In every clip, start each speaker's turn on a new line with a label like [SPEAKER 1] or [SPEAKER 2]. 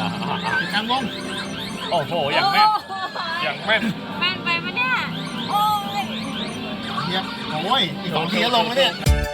[SPEAKER 1] กลางวง
[SPEAKER 2] โอ้โหอย่างแม่นอย่างแม่น
[SPEAKER 3] แม่นไปปะเนี่ยโอ้ย
[SPEAKER 1] เทียบโอ้ยอีก2 ทีก็ลงแล้วเนี่ย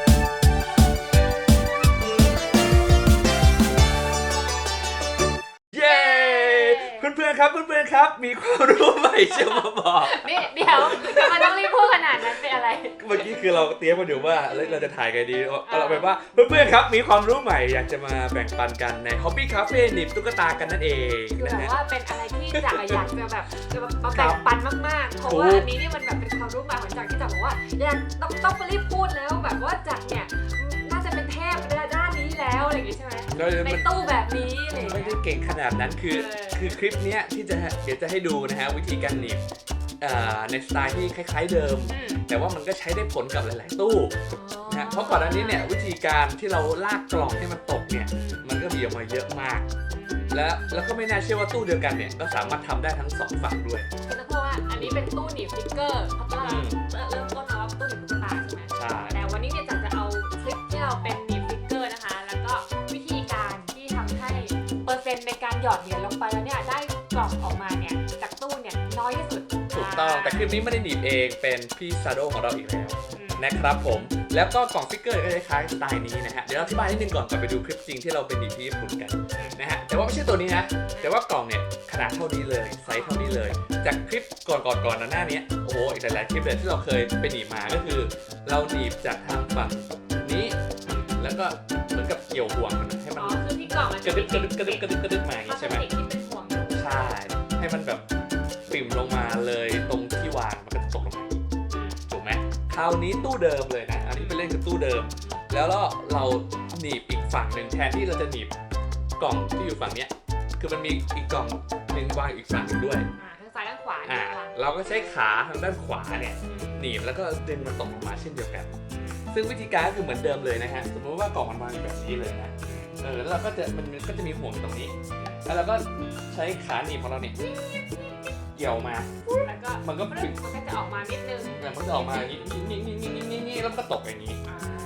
[SPEAKER 2] เย้เพื่อนๆครับมีความรู้ใหม่จะมาบอก
[SPEAKER 3] นี่เดี๋ยวมันต้องรีบพูดขนาดนั้นเป็นอะไร
[SPEAKER 2] เมื่อกี้คือเราเตรียมกันอยู่ว่าเราจะถ่ายไงดีเราไปว่าเพื่อนๆครับมีความรู้ใหม่อยากจะมาแบ่งปันกันใน Hobby Cafe หนีบตุ๊กตากันนั่นเอง
[SPEAKER 3] คือแบบว่าเป็นอะไรที่อยากจะแบบมาแบ่งปันมากๆเพราะว่าอันนี้นี่มันแบบเป็นความรู้ใหม่ของจักรที่จักรบอกว่าอยากต้องรีบพูดแล้วแบบว่าจักรเนี่ยน่าจะเป็นเทพด้านนี้แล้วอะไรอย่างงี้ใช่ไหมในตู้แบบนี้อะไรไม่
[SPEAKER 2] ได้เก่งขนาดนั้นคือคลิปเนี้ยที่เดี๋ยวจะให้ดูนะฮะวิธีการหนีบในสไตล์ที่คล้ายๆเดิมแต่ว่ามันก็ใช้ได้ผลกับหลายๆตู้นะเพราะก่อนหน้านี้เนี่ยวิธีการที่เราลากกล่องให้มันตกเนี่ยมันก็มีออกมาเยอะมากแล้วก็ไม่น่าเชื่อว่าตู้เดียวกันเนี่ยก็สามารถทำได้ทั้ง2ฝั่งด้วย
[SPEAKER 3] เพราะว่าอันนี้เป็นตู้หนีบสติ๊กเกอร์เขาเริ่มต้นมาว่าตู้หนีบตุ๊กตาใช่ไหม
[SPEAKER 2] ใช่
[SPEAKER 3] แต่วันนี้เนี่ยจักจะเอาคลิปที่เราเป็นหนีบสติ๊กเกอร์นะคะแล้วก็วิธีการที่ทำให้เปอร์เซ็นต์ในการหยอดเหรียญลงไปแล้วเนี่ยได้กล่องออกมาเนี่ยจากตู้เนี่ยน้อยที่สุด
[SPEAKER 2] ถูกต้องแต่คลิปนี้ไม่ได้หนีบเองเป็นพี่ซาโดของเราอีกแล้วนะครับผมแล้วก็กล่องสติ๊กเกอร์ก็คล้ายๆสไตล์นี้นะฮะเดี๋ยวเราอธิบายนิดนึงก่อนไปดูคลิปจริงที่เราเป็นหนีบที่ญี่ปุ่นกันนะฮะแต่ว่าไม่ใช่ตัวนี้นะแต่ว่ากล่องเนี่ยขนาดเท่านี้เลยไซส์เท่านี้เลยจากคลิปก่อนหน้านี้โอ้โหอีกหลายๆคลิปเลยที่เราเคยไปหนีบมาก็คือเราหนีบจากทางฝั่งนี้แล้วก็เหมือนกับเกี่ยวห่วงมันให้มัน
[SPEAKER 3] คือที่กล่องมัน
[SPEAKER 2] กระดึบมาอย่างนี้ใช่ไหมใช่ให้มันแบบปิ่มลงมาเลยตรงที่วางมันก็ตกลงมาถูกไหมคราวนี้ตู้เดิมเลยนะอันนี้เป็นเล่นกับตู้เดิมแล้วเราหนีบอีกฝั่งหนึ่งแทนที่เราจะหนีบกล่องที่อยู่ฝั่งเนี้ยคือมันมีอีกกล่องหนึ่งวางอีกฝั่งหนึ่งด้วย
[SPEAKER 3] ทั้งซ้ายทั้งขวา
[SPEAKER 2] เราก็ใช้ขาทางด้านขวาเนี่ยหนีบแล้วก็ดึงมันตกออกมาเช่นเดียวกันซึ่งวิธีการก็คือเหมือนเดิมเลยนะฮะสมมติว่ากล่องมันวางอยู่แบบนี้เลยนะแล้วเราก็จะมันก็จะมีห่วงตรงนี้แล้วเราก็ใช้ขาหนีบของเราเนี่ยเกี่ยวมา
[SPEAKER 3] แล้วก็
[SPEAKER 2] มันก็
[SPEAKER 3] จะออกมานิดนึง
[SPEAKER 2] มันจะออกมาอย่างนี้นี่แล้วก็ตกอย่างนี้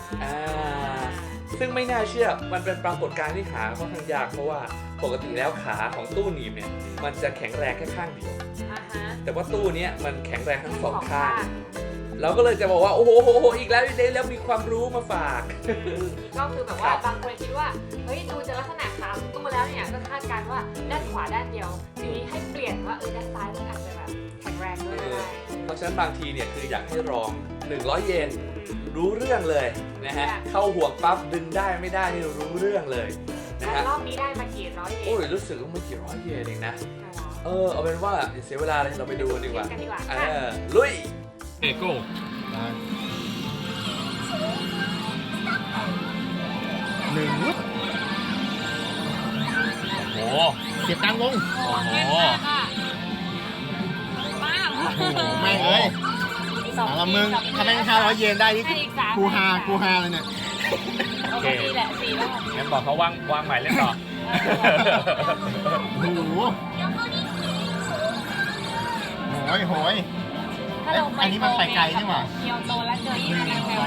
[SPEAKER 2] ซึ่งไม่น่าเชื่อมันเป็นปรากฏการณ์ที่หาค่อนข้างยากเพราะว่าปกติแล้วขาของตู้หนีบเนี่ยมันจะแข็งแรงแค่ข้างเดียวแต่ว่าตู้นี้มันแข็งแรงทั้ง2 ข้างเราก็เลยจะบอกว่าโอ้โหอีกแล้วมีความรู้มาฝาก
[SPEAKER 3] ก็คือแบบว่าบางคนคิดว่าเฮ้ยดูจากลักษณะขาของตู้แล้วเนี่ยก็คาดการณ์ว่าด้านขวาด้านเดียวทีนี้ให้เปลี่ยนว่าด้านซ้ายมันอาจจะแบบแข็งแรงด้วย
[SPEAKER 2] เพราะฉะนั้นบางทีเนี่ยคืออยากให้ลอง100 เยนรู้เรื่องเลยนะฮะเข้าห่วงปั๊บดึงได้ไม่ได้นี่รู้เรื่องเลยนะฮะ
[SPEAKER 3] รอบนี้ได้มากี่ร้อยเยน
[SPEAKER 2] โอ้ยรู้สึกว่าไม่กี่ร้อยเยนเองนะเอาเป็นว่าเสียเวลาเลยเราไปดูกันดีกว่าลุย
[SPEAKER 1] โก้1
[SPEAKER 2] โอ้โห
[SPEAKER 1] เสียบกลางวง
[SPEAKER 3] โอ้โห
[SPEAKER 1] แม่งเลยแล้วมึงทำให้500 เยนได้นี่กูฮาเลยเนี่ย
[SPEAKER 3] โอเคแหละ4แล้ว
[SPEAKER 2] งั้นบอกเขาวางใหม่เล่นต่อ
[SPEAKER 1] โอ้โหโหยอันนี้มันไปไกลใช่ไหม
[SPEAKER 3] เกียวโตแล้วเจอยิ่งแพง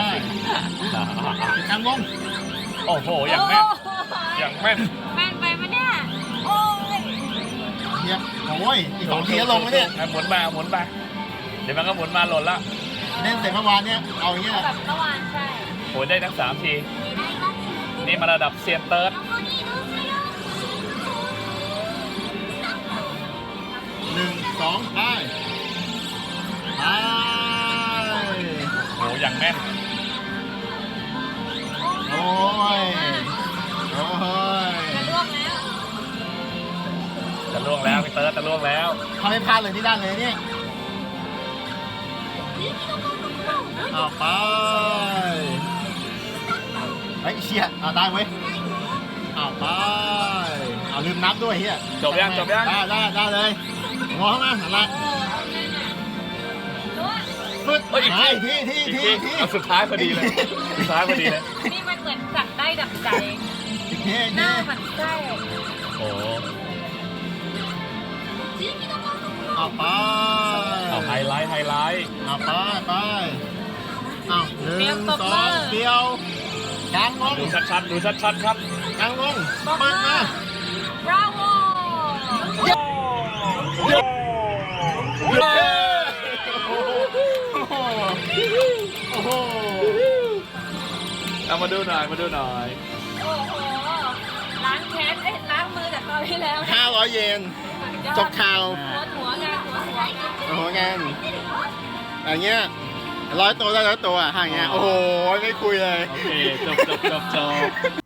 [SPEAKER 1] กลางวง
[SPEAKER 2] โอ้โหอย่างแม่น
[SPEAKER 3] ไปปะเนี่ยโอ้ย
[SPEAKER 1] เทียบโอ้ยอีก2 ทีก็ลงแล้วเนี่ย
[SPEAKER 2] หมุนไปเดี๋ยวมันก็หมุนมาหล่นละ
[SPEAKER 1] เล่นเสร็จเมื่อวานเนี่ยเอาอย่างเงี้ย
[SPEAKER 3] แบบเมื่อวานใช่
[SPEAKER 2] โหได้ทั้ง3 ทีนี่มาระดับเซียนเติร์ด
[SPEAKER 1] 1 2ไป
[SPEAKER 2] โอ้อย่างแม่น
[SPEAKER 1] โอ้ย
[SPEAKER 2] จะล่วงแล้วพี่เติร์ดจะล่วงแล้ว
[SPEAKER 1] เขาไม่พลาดเลยที่ด้านเลยเนี่ยเอาไปเฮ้ยเชี่ยเอาได้เว้ยเอาไปเอาลืมนับด้วยเฮีย
[SPEAKER 2] จบยัง
[SPEAKER 1] ได้เลยงอมาอะไรที
[SPEAKER 2] สุดท้ายพอดีเลย
[SPEAKER 3] นี่มันเหมือนจับได้ดับใจหน้ามันใช่
[SPEAKER 2] โอ้
[SPEAKER 1] เอาไป
[SPEAKER 2] เอาไฮไลท์
[SPEAKER 1] เอาไปเอา1 2เดียวกลางวง
[SPEAKER 2] ดูชัดครับ
[SPEAKER 1] กลางวง
[SPEAKER 3] มาบราโว
[SPEAKER 2] เอามาดูหน่อยมาดูหน่อย
[SPEAKER 3] โอ้โหล้างแค้นล้างมือจากคราวที่แล้ว
[SPEAKER 1] 500 เยนจบข่าว
[SPEAKER 3] หัวงาน
[SPEAKER 1] โอ้โหงานอย่างเงี้ย100 ตัวได้100 ตัวห่างเงี้ยโอ้โหไม่คุยเลย
[SPEAKER 2] โอเคจบ